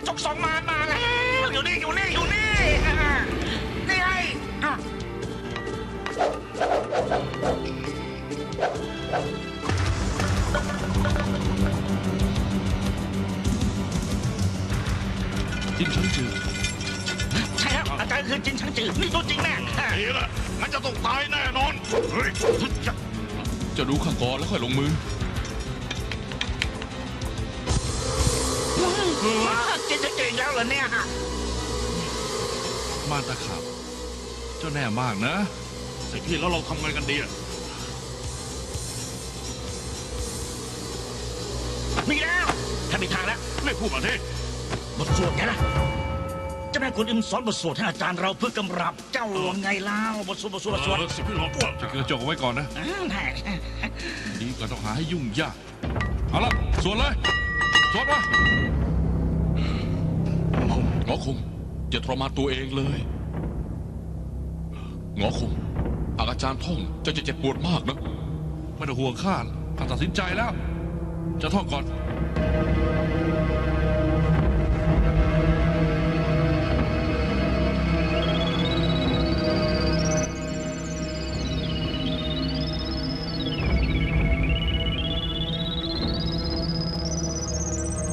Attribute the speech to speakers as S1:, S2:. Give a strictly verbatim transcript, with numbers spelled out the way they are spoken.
S1: จกสองมารมาแล้วอยู่นี่อยู่นี่อยู่นี่นี่ไง
S2: จินชังจือ
S1: ใช่แล้วอาจารย์คือจินชังจือนี่ตัวจริงแน่
S3: นี่แหละงั้นจะต้องตายแน่นอนเฮ้ย
S2: จะรู้ข้าก่อนแล้วค่อยลงมือ
S1: จินชังจือแล้วเหรอเนี่ย
S2: ม่านตะขาบเจ้าแน่มากนะ
S3: ไอพี่แล้วเราทำไงกันดีอ่ะ
S1: มีแล้วถ้ามีทางแล้ว
S3: ไม่พูดมาที
S1: บทสวดไงล่ะเจ้าแม่กวนอิมสอนบทสวดให้อาจารย์เราเพื่อกำรับเจ้าไงเล่าบทสวดบทสวดบทสวด
S3: สิพี่ลอง
S2: จะกระจกเอาไว้ก่อนนะดีกว่าต้องหาให้ยุ่งยากเอาละสวดเลยสวดมา
S4: หงอคงอย่าทรมานตัวเองเลยหงอคงหากอาจารย์ท่องจะจะเจ็บปวดมากนะ
S2: ไม่ต้องห่วงข้าข้าตัดสินใจแล้วจะท่องก่อน